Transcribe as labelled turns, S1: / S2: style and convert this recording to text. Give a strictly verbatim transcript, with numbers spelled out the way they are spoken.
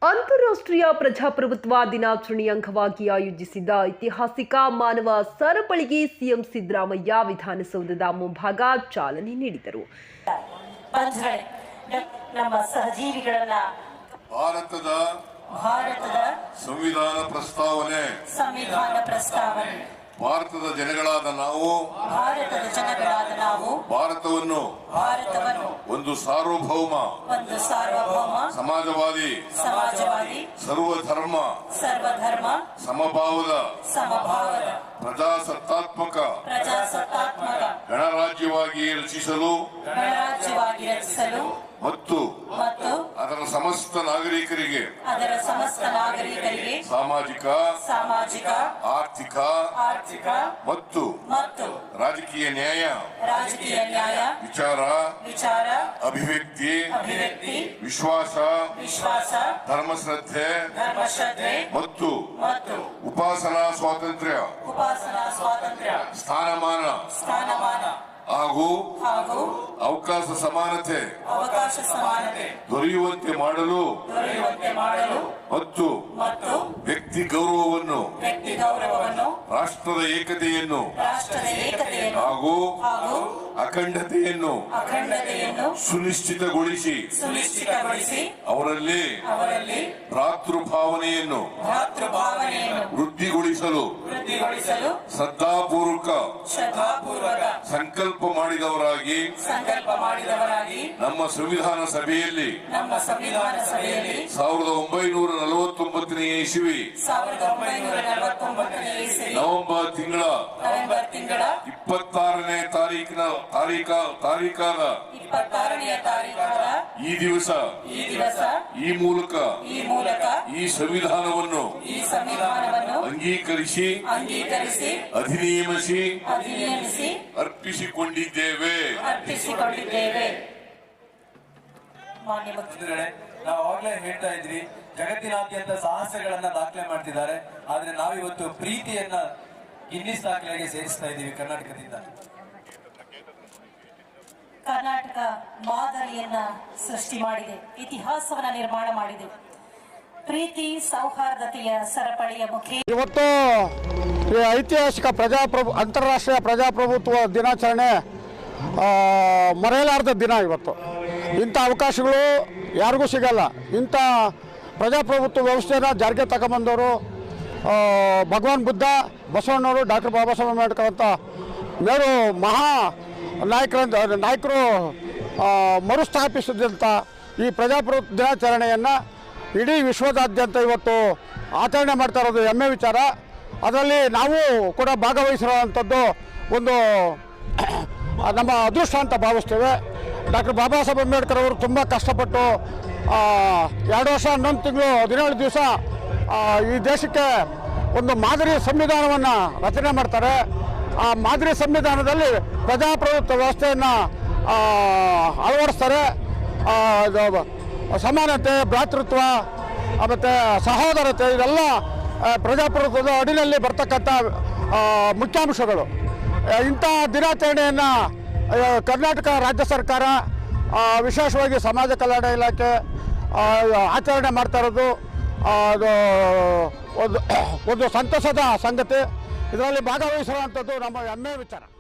S1: ಅಂತಾರಾಷ್ಟ್ರೀಯ ಪ್ರಜಾಪ್ರಭುತ್ವ ದಿನಾಚರಣೆ ಅಂಗವಾಗಿ ಆಯೋಜಿಸಿದ್ದ ಐತಿಹಾಸಿಕ ಮಾನವ ಸರಪಳಿಗೆ ಸಿಎಂ ಸಿದ್ದರಾಮಯ್ಯ ವಿಧಾನಸೌಧದ ಮುಂಭಾಗ ಚಾಲನೆ ನೀಡಿದರು.
S2: ನಮ್ಮ ಸಹಜೀವಿಗಳನ್ನ
S3: ಭಾರತದ
S2: ಭಾರತದ
S3: ಸಂವಿಧಾನ ಪ್ರಸ್ತಾವನೆ
S2: ಸಂವಿಧಾನ ಪ್ರಸ್ತಾವನೆ
S3: ಭಾರತದ ಜನಗಳಾದ ನಾವು
S2: ಭಾರತದ ಜನಗಳಾದ ನಾವು
S3: ಭಾರತವನ್ನು
S2: ಭಾರತವನ್ನು
S3: ಒಂದು ಸಾರ್ವಭೌಮ
S2: ಒಂದು ಸಾರ್ವಭೌಮ
S3: ಸಮಾಜವಾದಿ
S2: ಸಮಾಜವಾದಿ
S3: ಸರ್ವಧರ್ಮ
S2: ಸರ್ವಧರ್ಮ
S3: ಸಮಭಾವದ
S2: ಸಮಭಾವದ
S3: ಪ್ರಜಾಸತ್ತಾತ್ಮಕ
S2: ಪ್ರಜಾಸತ್ತಾತ್ಮಕ
S3: ಗಣರಾಜ್ಯವಾಗಿ ರಚಿಸಲು
S2: ಗಣರಾಜ್ಯವಾಗಿ ರಚಿಸಲು
S3: ಮತ್ತು
S2: ಮತ್ತು
S3: ಅದರ ಸಮಸ್ತ ನಾಗರಿಕರಿಗೆ
S2: ಅದರ ಸಮಸ್ತ ನಾಗರಿಕರಿಗೆ
S3: ಸಾಮಾಜಿಕ
S2: ಸಾಮಾಜಿಕ
S3: ಆರ್ಥಿಕ
S2: ಆರ್ಥಿಕ
S3: ಮತ್ತು
S2: ಮತ್ತು
S3: ರಾಜಕೀಯ ನ್ಯಾಯ
S2: ರಾಜಕೀಯ ನ್ಯಾಯ
S3: ವಿಚಾರ
S2: ವಿಚಾರ
S3: ಅಭಿವ್ಯಕ್ತಿ
S2: ಅಭಿವ್ಯಕ್ತಿ
S3: ವಿಶ್ವಾಸ
S2: ವಿಶ್ವಾಸ
S3: ಧರ್ಮಶ್ರದ್ಧೆ
S2: ಧರ್ಮಶ್ರದ್ಧೆ
S3: ಮತ್ತು
S2: ಮತ್ತು
S3: ಉಪಾಸನಾ ಸ್ವಾತಂತ್ರ್ಯ
S2: ಉಪಾಸನಾ ಸ್ವಾತಂತ್ರ್ಯ
S3: ಸ್ಥಾನಮಾನ
S2: ಸ್ಥಾನಮಾನ
S3: ಹಾಗೂ
S2: ಹಾಗೂ
S3: ಅವಕಾಶ ಸಮಾನತೆ
S2: ಅವಕಾಶ ಸಮಾನತೆ
S3: ದೊರೆಯುವಂತೆ ಮಾಡಲು
S2: ದೊರೆಯುವಂತೆ ಮಾಡಲು
S3: ಮತ್ತು
S2: ಮತ್ತು
S3: ವ್ಯಕ್ತಿ ಗೌರವವನ್ನು
S2: ವ್ಯಕ್ತಿ ಗೌರವವನ್ನು
S3: ರಾಷ್ಟ್ರದ ಏಕತೆಯನ್ನು
S2: ರಾಷ್ಟ್ರದ ಏಕತೆಯನ್ನು
S3: ಹಾಗೂ
S2: ಹಾಗೂ
S3: ಅಖಂಡತೆಯನ್ನು
S2: ಅಖಂಡತೆಯನ್ನು
S3: ಸುನಿಶ್ಚಿತಗೊಳಿಸಿ
S2: ಸುನಿಶ್ಚಿತಗೊಳಿಸಿ
S3: ಅವರಲ್ಲಿ
S2: ಅವರಲ್ಲಿ
S3: ಭ್ರಾತೃಭಾವನೆಯನ್ನು
S2: ಭ್ರಾತೃಭಾವನೆಯನ್ನು
S3: ವೃದ್ಧಿಗೊಳಿಸಲು
S2: ವೃದ್ಧಿಗೊಳಿಸಲು
S3: ಶ್ರದ್ಧಾಪೂರ್ವಕ
S2: ಶ್ರದ್ಧಾಪೂರ್ವಕ
S3: ಸಂಕಲ್ಪ ಮಾಡಿದವರಾಗಿ
S2: ಸಂಕಲ್ಪ ಮಾಡಿದವರಾಗಿ
S3: ನಮ್ಮ ಸಂವಿಧಾನ ಸಭೆಯಲ್ಲಿ
S2: ನಮ್ಮ ಸಂವಿಧಾನ ಸಭೆಯಲ್ಲಿ
S3: ಸಾವಿರದ ಒಂಬೈನೂರ ನಲವತ್ತೊಂಬತ್ತನೇ ಇಸವಿ
S2: ಸಾವಿರದ ಒಂಬೈನೂರ ನಲವತ್ತೊಂಬತ್ತನೇ ಇಸವಿ
S3: ನವೆಂಬರ್ ತಿಂಗಳ
S2: ನವೆಂಬರ್ ತಿಂಗಳ
S3: ಇಪ್ಪತ್ತಾರನೇ ತಾರೀಕಿನ ತಾರೀಕ ತಾರೀಕಾದ
S2: ಇಪ್ಪತ್ತಾರನೆಯ ತಾರೀಖಾದ
S3: ಈ ದಿವಸ
S2: ಈ ದಿವಸ
S3: ಈ ಮೂಲಕ
S2: ಈ ಮೂಲಕ
S3: ಈ ಸಂವಿಧಾನವನ್ನು
S2: ಈ ಸಂವಿಧಾನವನ್ನು
S3: ಅಂಗೀಕರಿಸಿ
S2: ಅಂಗೀಕರಿಸಿ
S3: ಅಧಿನಿಯಮಿಸಿ
S2: ಅಧಿನಿಯಮಿಸಿ
S3: ಅರ್ಪಿಸಿಕೊಂಡಿದ್ದೇವೆ
S2: ಅರ್ಪಿಸಿಕೊಂಡಿದ್ದೇವೆ. ಮಾನ್ಯ
S4: ಮುಖ್ಯಮಂತ್ರಿಗಳೇ, ನಾವು ಅವಾಗಲೇ ಹೇಳ್ತಾ ಇದ್ವಿ, ಜಗತ್ತಿನಾದ್ಯಂತ ಸಾಹಸಗಳನ್ನ ದಾಖಲೆ ಮಾಡ್ತಿದ್ದಾರೆ. ಆದ್ರೆ ನಾವಿವತ್ತು ಪ್ರೀತಿಯನ್ನ ಗಿನ್ನಿಸ್ ದಾಖಲೆಗೆ ಸೇರಿಸ್ತಾ ಇದ್ದೀವಿ ಕರ್ನಾಟಕದಿಂದ.
S2: ಕರ್ನಾಟಕ ಮಾದರಿಯನ್ನ ಸೃಷ್ಟಿ ಮಾಡಿದೆ, ಇತಿಹಾಸವನ್ನ ನಿರ್ಮಾಣ ಮಾಡಿದೆ. ಪ್ರೀತಿ ಸೌಹಾರ್ದತೆಯ ಸರಪಳಿಯ ಮುಖಿ
S5: ಇವತ್ತು ಈ ಐತಿಹಾಸಿಕ ಪ್ರಜಾಪ್ರಭು ಅಂತಾರಾಷ್ಟ್ರೀಯ ಪ್ರಜಾಪ್ರಭುತ್ವ ದಿನಾಚರಣೆ ಮರೆಯಲಾರದ ದಿನ. ಇವತ್ತು ಇಂಥ ಅವಕಾಶಗಳು ಯಾರಿಗೂ ಸಿಗಲ್ಲ. ಇಂಥ ಪ್ರಜಾಪ್ರಭುತ್ವ ವ್ಯವಸ್ಥೆನ ಜಾರಿಗೆ ತಗೊಂಬಂದವರು ಭಗವಾನ್ ಬುದ್ಧ, ಬಸವಣ್ಣವರು, ಡಾಕ್ಟರ್ ಬಾಬಾ ಸಾಹೇಬ್ ಅಂಬೇಡ್ಕರ್ ಅಂತ ಮೇರು ಮಹಾ ನಾಯಕರ ನಾಯಕರು ಮರುಸ್ಥಾಪಿಸಿದಂಥ ಈ ಪ್ರಜಾಪ್ರಭುತ್ವ ದಿನಾಚರಣೆಯನ್ನು ಇಡೀ ವಿಶ್ವದಾದ್ಯಂತ ಇವತ್ತು ಆಚರಣೆ ಮಾಡ್ತಾ ಇರೋದು ಹೆಮ್ಮೆ ವಿಚಾರ. ಅದರಲ್ಲಿ ನಾವು ಕೂಡ ಭಾಗವಹಿಸಿರುವಂಥದ್ದು ಒಂದು ನಮ್ಮ ಅದೃಷ್ಟ ಅಂತ ಭಾವಿಸ್ತೇವೆ. ಡಾಕ್ಟರ್ ಬಾಬಾ ಸಾಹೇಬ್ ಅಂಬೇಡ್ಕರ್ ಅವರು ತುಂಬ ಕಷ್ಟಪಟ್ಟು ಎರಡು ವರ್ಷ ಹನ್ನೊಂದು ತಿಂಗಳು ಹದಿನೇಳು ದಿವಸ ಈ ದೇಶಕ್ಕೆ ಒಂದು ಮಾದರಿ ಸಂವಿಧಾನವನ್ನು ರಚನೆ ಮಾಡ್ತಾರೆ. ಆ ಮಾದರಿ ಸಂವಿಧಾನದಲ್ಲಿ ಪ್ರಜಾಪ್ರಭುತ್ವ ವ್ಯವಸ್ಥೆಯನ್ನು ಅಳವಡಿಸ್ತಾರೆ. ಸಮಾನತೆ, ಭ್ರಾತೃತ್ವ ಮತ್ತು ಸಹೋದರತೆ ಇದೆಲ್ಲ ಪ್ರಜಾಪ್ರಭುತ್ವದ ಅಡಿಯಲ್ಲಿ ಬರ್ತಕ್ಕಂಥ ಮುಖ್ಯಾಂಶಗಳು. ಇಂಥ ದಿನಾಚರಣೆಯನ್ನು ಕರ್ನಾಟಕ ರಾಜ್ಯ ಸರ್ಕಾರ ವಿಶೇಷವಾಗಿ ಸಮಾಜ ಕಲ್ಯಾಣ ಇಲಾಖೆ ಆಚರಣೆ ಮಾಡ್ತಾ ಇರೋದು ಅದು ಒಂದು ಒಂದು ಸಂತಸದ ಸಂಗತಿ. ಇದರಲ್ಲಿ ಭಾಗವಹಿಸುವಂಥದ್ದು ನಮ್ಮ ಹೆಮ್ಮೆ ವಿಚಾರ.